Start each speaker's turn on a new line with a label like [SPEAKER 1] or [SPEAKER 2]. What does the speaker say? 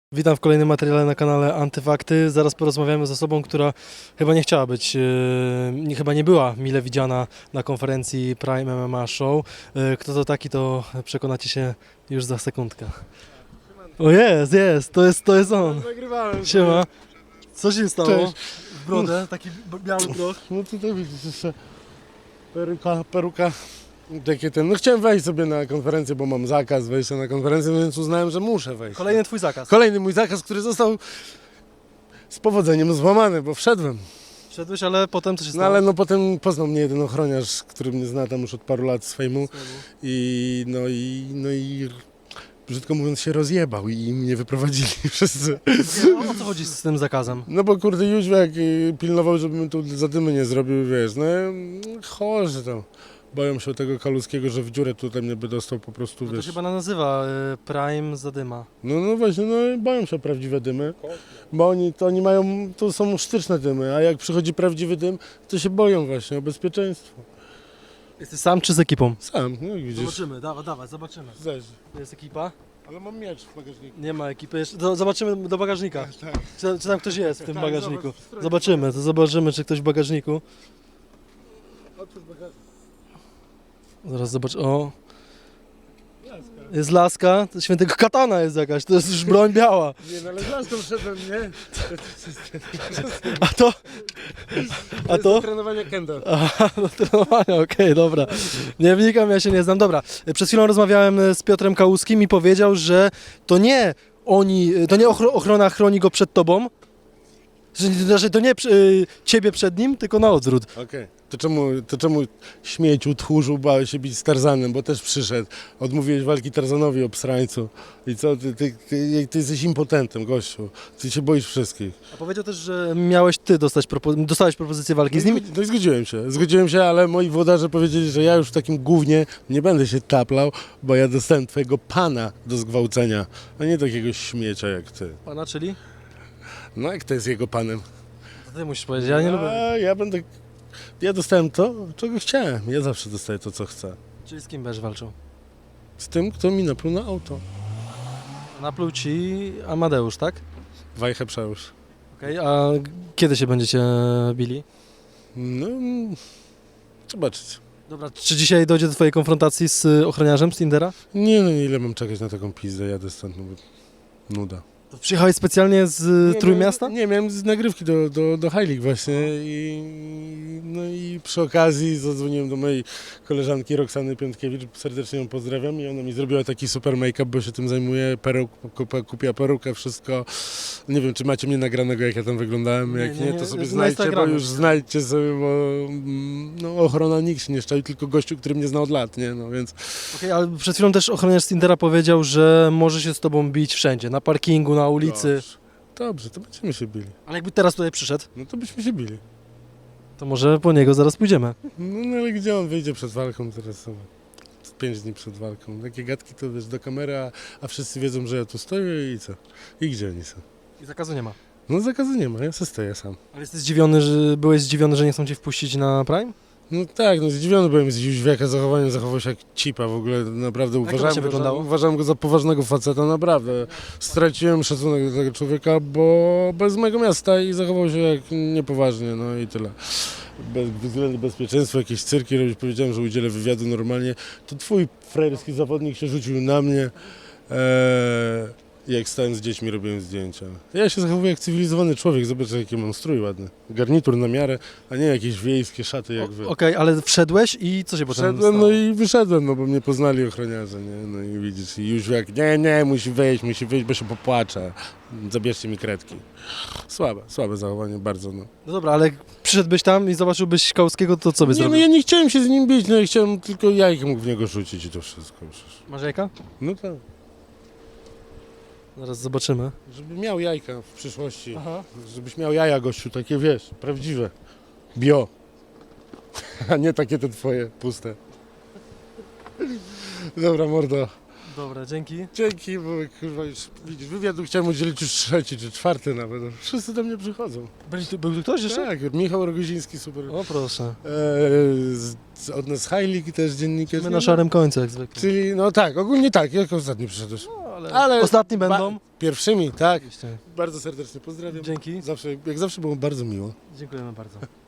[SPEAKER 1] Witam w kolejnym materiale na kanale Antyfakty. Zaraz porozmawiamy z osobą, która chyba nie chciała być, chyba nie była mile widziana na konferencji Prime MMA Show. Kto to taki, to przekonacie się już za sekundkę. O jest, to jest on.
[SPEAKER 2] Nagrywałem.
[SPEAKER 1] Siema. Co się stało?
[SPEAKER 2] Cześć.
[SPEAKER 1] W brodę, taki biały proch.
[SPEAKER 2] No tutaj widzisz jeszcze peruka. Takie ten. No chciałem wejść sobie na konferencję, bo mam zakaz wejścia na konferencję, więc uznałem, że muszę wejść.
[SPEAKER 1] Kolejny twój zakaz.
[SPEAKER 2] Kolejny mój zakaz, który został z powodzeniem złamany, bo wszedłem.
[SPEAKER 1] Wszedłeś, ale potem co się
[SPEAKER 2] No
[SPEAKER 1] stało?
[SPEAKER 2] ale no potem poznał mnie jeden ochroniarz, który mnie zna tam już od paru lat z fejmu i brzydko mówiąc się rozjebał i mnie wyprowadzili wszyscy.
[SPEAKER 1] O co chodzi z tym zakazem?
[SPEAKER 2] No bo kurde Jóźwiak pilnował, żebym tu zadymy nie zrobił, wiesz, no chorzy tam. Boją się tego Kaluskiego, że w dziurę tutaj mnie by dostał po prostu,
[SPEAKER 1] No to
[SPEAKER 2] wiesz.
[SPEAKER 1] się chyba nazywa Prime Zadyma.
[SPEAKER 2] No właśnie, no boją się o prawdziwe dymy, bo oni mają, to są sztyczne dymy, a jak przychodzi prawdziwy dym, to się boją właśnie o bezpieczeństwo.
[SPEAKER 1] Jesteś sam czy z ekipą?
[SPEAKER 2] Sam, no jak widzisz.
[SPEAKER 1] Zobaczymy, dawaj, zobaczymy.
[SPEAKER 2] Zaś.
[SPEAKER 1] To jest ekipa?
[SPEAKER 2] Ale mam miecz w bagażniku.
[SPEAKER 1] Nie ma ekipy jeszcze. Zobaczymy do bagażnika.
[SPEAKER 2] Tak.
[SPEAKER 1] Czy tam ktoś jest w tym
[SPEAKER 2] Tak,
[SPEAKER 1] bagażniku?
[SPEAKER 2] zobacz,
[SPEAKER 1] Zobaczymy, czy ktoś w bagażniku.
[SPEAKER 2] Otwórz bagażnik.
[SPEAKER 1] Zaraz zobacz. O,
[SPEAKER 2] Laska.
[SPEAKER 1] jest laska. To świętego katana jest jakaś. To jest już broń biała.
[SPEAKER 2] Nie, no ale z laską wszedłem, nie?
[SPEAKER 1] A to? A to?
[SPEAKER 2] Trenowanie kendo.
[SPEAKER 1] Aha, do trenowania, okej, dobra. Nie wnikam, ja się nie znam. Dobra, przed chwilą rozmawiałem z Piotrem Kałuskim i powiedział, że to nie ochrona chroni go przed tobą, że to nie ciebie przed nim, tylko na odwrót.
[SPEAKER 2] Okej. To czemu śmieciu, tchórzu bałeś się bić z Tarzanem, bo też przyszedł. Odmówiłeś walki Tarzanowi, obsrańcu. I co, ty jesteś impotentem, gościu. Ty się boisz wszystkich.
[SPEAKER 1] A powiedział też, że miałeś ty dostałeś propozycję walki z nim.
[SPEAKER 2] No i zgodziłem się, ale moi włodarze powiedzieli, że ja już w takim gównie nie będę się taplał, bo ja dostałem twojego pana do zgwałcenia, a nie takiego śmiecia jak ty.
[SPEAKER 1] Pana, czyli?
[SPEAKER 2] No jak to jest jego panem?
[SPEAKER 1] To ty musisz powiedzieć, ja nie lubię.
[SPEAKER 2] Ja dostałem to, czego chciałem. Ja zawsze dostaję to, co chcę.
[SPEAKER 1] Czyli z kim będziesz walczył?
[SPEAKER 2] Z tym, kto mi napluł na auto.
[SPEAKER 1] Napluł ci Amadeusz, tak?
[SPEAKER 2] Wajchę przełóż.
[SPEAKER 1] Okej, a kiedy się będziecie bili?
[SPEAKER 2] No, zobaczyć.
[SPEAKER 1] Dobra, czy dzisiaj dojdzie do twojej konfrontacji z ochroniarzem z Tindera?
[SPEAKER 2] Nie, no ile mam czekać na taką pizdę, jadę stąd, no bo nuda.
[SPEAKER 1] To przyjechałeś specjalnie z Trójmiasta?
[SPEAKER 2] Nie, miałem z nagrywki do High League właśnie no i przy okazji zadzwoniłem do mojej koleżanki Roxany Piątkiewicz, serdecznie ją pozdrawiam i ona mi zrobiła taki super make-up, bo się tym zajmuje, kupiła perukę, wszystko. Nie wiem, czy macie mnie nagranego, jak ja tam wyglądałem, jak nie, to sobie
[SPEAKER 1] na
[SPEAKER 2] znajdźcie, bo
[SPEAKER 1] Instagramie.
[SPEAKER 2] już znajdźcie sobie, bo no, ochrona nikt się nie szczaił, tylko gościu, który mnie zna od lat, nie, no więc...
[SPEAKER 1] Okej, ale przed chwilą też ochroniarz z Tindera powiedział, że może się z tobą bić wszędzie, na parkingu, na ulicy.
[SPEAKER 2] Dobrze, to będziemy się bili.
[SPEAKER 1] Ale jakby teraz tutaj przyszedł,
[SPEAKER 2] No to byśmy się bili.
[SPEAKER 1] to może po niego zaraz pójdziemy.
[SPEAKER 2] No ale gdzie on wyjdzie przed walką teraz? 5 dni przed walką. Takie gadki to wiesz do kamery, a wszyscy wiedzą, że ja tu stoję i co? I gdzie oni są?
[SPEAKER 1] I zakazu nie ma.
[SPEAKER 2] No zakazu nie ma, ja se stoję sam.
[SPEAKER 1] Ale byłeś zdziwiony, że nie chcą cię wpuścić na Prime?
[SPEAKER 2] No tak, no zdziwiony byłem z Jóźwiaka zachowaniem, zachował się jak cipa w ogóle, naprawdę
[SPEAKER 1] to właśnie wyglądało?
[SPEAKER 2] uważałem go za poważnego faceta, naprawdę. Straciłem szacunek do tego człowieka, bo bez mojego miasta i zachował się jak niepoważnie, no i tyle. Bez względu bezpieczeństwa, jakieś cyrki robić, powiedziałem, że udzielę wywiadu normalnie. To twój frajerski zawodnik się rzucił na mnie. Jak stałem z dziećmi, robiłem zdjęcia. Ja się zachowuję jak cywilizowany człowiek, zobacz jaki mam strój ładny. Garnitur na miarę, a nie jakieś wiejskie szaty jak wy.
[SPEAKER 1] Okej, ale wszedłeś i co się potem
[SPEAKER 2] Wszedłem,
[SPEAKER 1] stało?
[SPEAKER 2] no i wyszedłem, no bo mnie poznali ochroniarze, nie? No i widzisz, i już jak, nie, musi wyjść, bo się popłacze. Zabierzcie mi kredki. Słabe zachowanie, bardzo, no.
[SPEAKER 1] No dobra, ale jak przyszedłbyś tam i zobaczyłbyś Kałskiego, to co by
[SPEAKER 2] Nie, no
[SPEAKER 1] zrobił?
[SPEAKER 2] ja nie chciałem się z nim bić, no ja chciałem tylko jajkiem mógł w niego rzucić i to wszystko. Przecież.
[SPEAKER 1] Masz jajka?
[SPEAKER 2] No tak,
[SPEAKER 1] Zaraz zobaczymy.
[SPEAKER 2] żeby miał jajka w przyszłości.
[SPEAKER 1] Aha.
[SPEAKER 2] Żebyś miał jaja, gościu, takie wiesz, prawdziwe. Bio. A nie takie te twoje, puste. Dobra, mordo.
[SPEAKER 1] Dobra, dzięki.
[SPEAKER 2] Dzięki, bo kurwa już widzisz, wywiadu chciałem udzielić już 3. czy 4. nawet. Wszyscy do mnie przychodzą.
[SPEAKER 1] Był tu ktoś jeszcze?
[SPEAKER 2] Tak, Michał Rogoziński, super.
[SPEAKER 1] O proszę.
[SPEAKER 2] Od nas High League też dziennikarz.
[SPEAKER 1] My na szarym końcu jak zwykle.
[SPEAKER 2] Czyli, no tak, ogólnie tak, jak ostatni przyszedłeś.
[SPEAKER 1] No, ale ostatni będą.
[SPEAKER 2] Pierwszymi, tak.
[SPEAKER 1] Oczywiście.
[SPEAKER 2] Bardzo serdecznie pozdrawiam.
[SPEAKER 1] Dzięki.
[SPEAKER 2] Jak zawsze było bardzo miło.
[SPEAKER 1] Dziękujemy bardzo.